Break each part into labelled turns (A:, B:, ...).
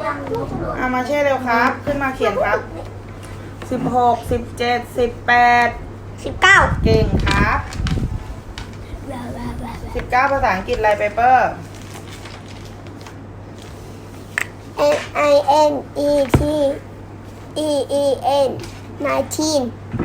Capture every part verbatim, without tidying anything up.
A: เอามาเช่เร็วครับ ขึ้นมาเขียนครับสิบหกสิบเจ็ดสิบแปด
B: สิบเก้า
A: เก่งครับสิบเก้าภาษาอังกฤษอะไรเปเปอร์
B: N I N E T E E N nineteen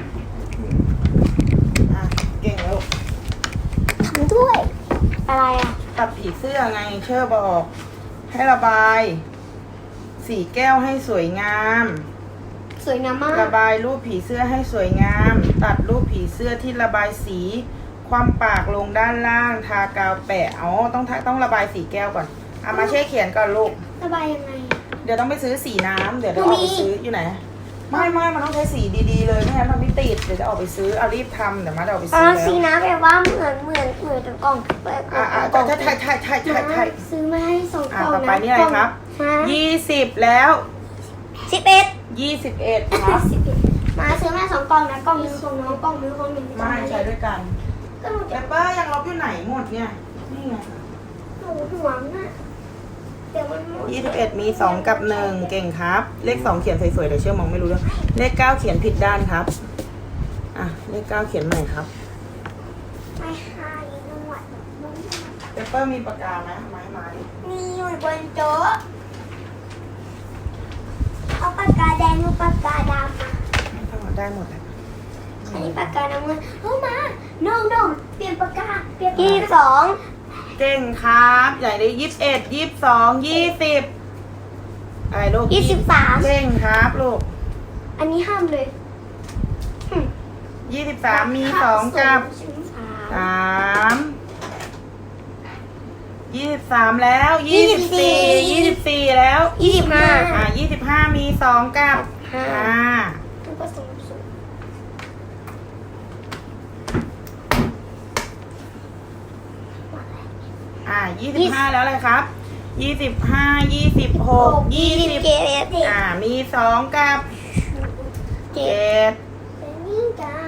A: อ่ะเก่งลูก
B: ทำด้วย อะไรอ่ะ
A: ตัดผีเสื้อไงเชื่อบอก ให้ระบาย สีแก้วให้สวยงาม
B: สวยงามมาก
A: ระบายรูปผีเสื้อให้สวยงาม ตัดรูปผีเสื้อที่ระบายสี ความปากลงด้านล่าง ทากาวแปะอ๋อต้องต้องระบายสีแก้วก่อนเอามาเช่เขียนก่อนลูก
B: ระบายยังไง
A: เดี๋ยวต้องไปซื้อสีน้ำเดี๋ยวเดี๋ยวออกไปซื้ออยู่ไหน ไม่ไม่มันต้องใช้สีดีๆเลยไม่งั้นมันไม่ติดเดี๋ยวจะออกไปซื้อเอารีบทำเดี๋ยวมาเดี๋ยวออกไป
B: อ๋
A: ซื้
B: อ
A: อแล้ว
B: สีน้ำแปลว่าเหมือนเหมือนเหมือนกับกล่องเปิด
A: อ่าอ่าก็ใช่ใช่ใช่ใช่ใช่ใช่
B: ซื้อมาให้สองก
A: อ่า
B: ล่อง
A: ต่อ
B: นะ
A: ไปนี่อะไรครับยี่สิบแล้ว
B: สิบเอ็ด
A: ยี่สิบเอ็ดครับ
B: สิบเอ็ดมาซื้อมาสองกล่องนะกล่องนึงของน้องกล่องนึงของหนู
A: ไม่ใช้ด้วยกัน
B: ก็หนู
A: เป
B: จะ
A: เปอร์ยังลบอยู่ไหนหมดเนี่ยนี่ไง
B: หนูห่วงอ่ะเดี๋ยวมันหมด
A: ยี่สิบเอ็ดมีสองกับหนึ่งเก่งครับ เลขสองเขียนสวยๆเดี๋ยวเชื่อมองไม่รู้เรื่องเลขเก้าเขียนผิดด้านครับอ่ะเลขเก้าเขียนใหม่ครับ
B: ไม่ให้นวด
A: เปเปอร์มีปากกาไหมไม้ไม้
B: มีอยู่บนโต๊ะเอาปากกาแดงหรือปากกาดำมา
A: ทั้งหมดได้หมดแล้ว
B: อันนี้ปากกาน้ำเงินเข้ามาน้องน้องเปลี่ยนปากกาเปลี่ยนยี่สิบสอง
A: เก่งครับใหญ่ได้ยี่สิบเอ็ดยี่สิบสองยี่สิบอะไรลูก
B: ยี่สิบสาม
A: เก่งครับลูก
B: อันนี้ห้ามเลยหึ
A: ยี่สิบสามมีสองกับ
B: สาม
A: สามยี่สิบสามแล้วยี่สิบสี่ยี่สิบสี่แล้ว
B: ยี่สิบห้า
A: อ่ายี่สิบห้ามีสองกับ
B: ห้า
A: อ่า
B: ผสมสูตร
A: อ่ายี่สิบห้าแล้วอะไรครับยี่สิบห้ายี่สิบหกยี่สิบ
B: เจ็ด
A: อ่ามีสองกับ
B: เจ็
A: เจ็
B: ด
A: ด
B: เป็นนี่จ้า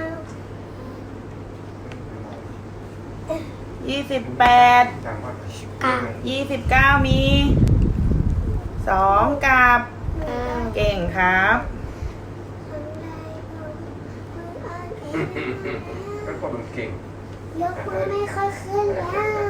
A: ยี่สิบแปด
B: เก้า
A: ยี่สิบเก้ามีสองกับ
B: เก้า
A: เก่งครับ
C: เป็นคนมันเก่ง
B: ยกมือไม่ค่อยขึ้นแล้ว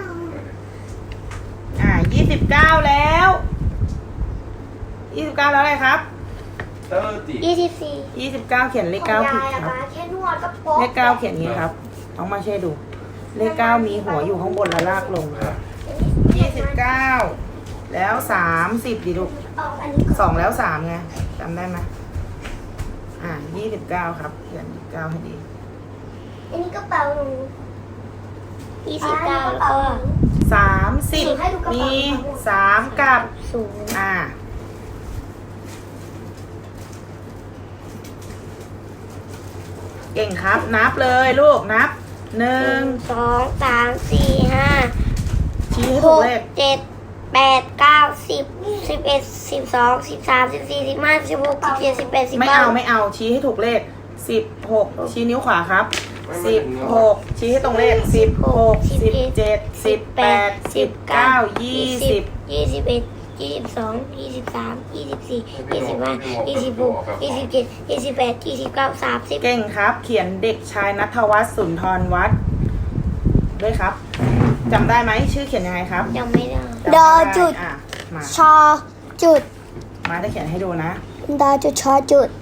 A: อ่ายี่สิบเก้าแล้วยี่สิบเก้าแล้วอะไรครับ
C: เตอร์ตี
B: ยี่สิบสี่
A: ยี่สิบเก้าเขียนเลขเก้าผิดครับ
B: แค่นวดก็โป๊ะ
A: เลขเก้าเขียนอย่างนี้ครับต้องมาเช่ดู เลขเก้ามีหัวอยู่ข้างบนและลากลงครับยี่สิบเก้าแล้วสามสิบดิลูก
B: ออกอันนี้ก่อน
A: สองแล้วสามไงจำได้ไหมอ่ายี่สิบเก้าครับเขียนยี่สิบเก้าให้ดี
B: อันนี้กระเป๋าหนูยี่สิบเก้าแล้วก็
A: สามสิบมีสามกับ
B: ศูนย์
A: อ่าเก่งครับนับเลยลูกนับหนึ่
B: หนึ่
A: ง
B: งสองสามสี่ห้า
A: ชี้ให้
B: ห
A: ถูก
B: ก
A: เลข
B: เจ็ดแปดเก้าสิบสิบเอ็ดสิบสองสิบสามสิบสี่สิบห้าสิบหกสิบเจ็ดสิบแปดสิบ
A: ไม่
B: เก้า
A: เอาไม่เอาชี้ให้ถูกเลขสิบหกชี้นิ้วขวาครับสิบหกชี้ให้ตรงเลขสิบหกสิบเจ็ดสิบแปดสิบเก้ายี่สิบ
B: ยี่สิบเอ็ดยี่สิบสองยี่สิบสามยี่สิบสี่ยี่สิบห้ายี่สิบหกยี่สิบเจ็ดยี่สิบแปดยี่สิบเก้าสามสิบ
A: เก่งครับ เขียนเด็กชายณัฐวัฒน์สุนทรวัฒน์ด้วยครับจำได้ไหมชื่อเขียนยังไงครับ
B: ยังไม่ได้
A: จำไม่ไอ่ะมา
B: ชอจุด
A: มาจะเขียนให้ดูนะ
B: ดอจุดชอจุด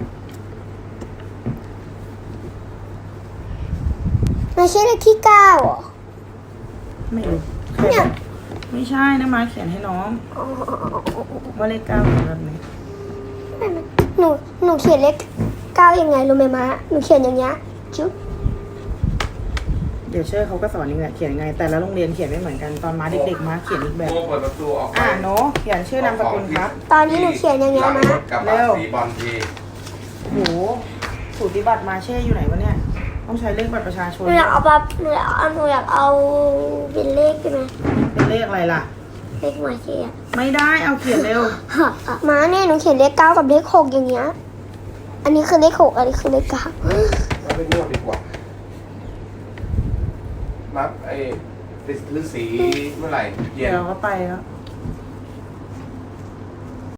B: ไม่ใช่เลขที่เก้าเหรอ
A: ไม่รู้ใครบอกไม่ใช่นะมาเขียนให้น้องว่าเลขเก้าเป็นแบบไหน
B: หนูหนูเขียนเลขเก้ายังไงรู้ไหมมะหนูเขียนอย่างเงี้ยจุ๊บ
A: เดี๋ยวเชื่อเขาก็สอนนี่แหละเขียนยังไง แต่ละโรงเรียนเขียนไม่เหมือนกันตอนมาเด็กๆมาเขียนอีกแบบ
C: โเปิดประตูออกไป
A: อ่าโนเขียนชื่อนามสกุลครับ
B: ตอนนี้หนูเขียนอย่างเงี้ย
C: หลั
B: มะ
C: รถกระบะสีบอลที
A: โหสูติบัตรมาเช่อยู่ไหนวะเนี่ยต้องใช้เลขบัตรประชาช
B: ห
A: น
B: นูอยากเอาแบบหนูอยากเอาหนูอยากเอาเป็นเลขใช่ไหม
A: เป็นเลขอะไรล่ะ
B: เลขมาเชีย
A: ไม่ได้เอาเขียนเร็ว
B: มาเนี่ยหนูเขียนเลขเก้ากับเลขหกอย่างเงี้ยอันนี้คือเลขหกอันนี้คือเลขเก้า
C: เราไปนวดดีกว่านับไอ้ฤาษีเมื่อไหร่เย็
A: เดี๋ย
C: น
A: วเราก็ไปแล้ว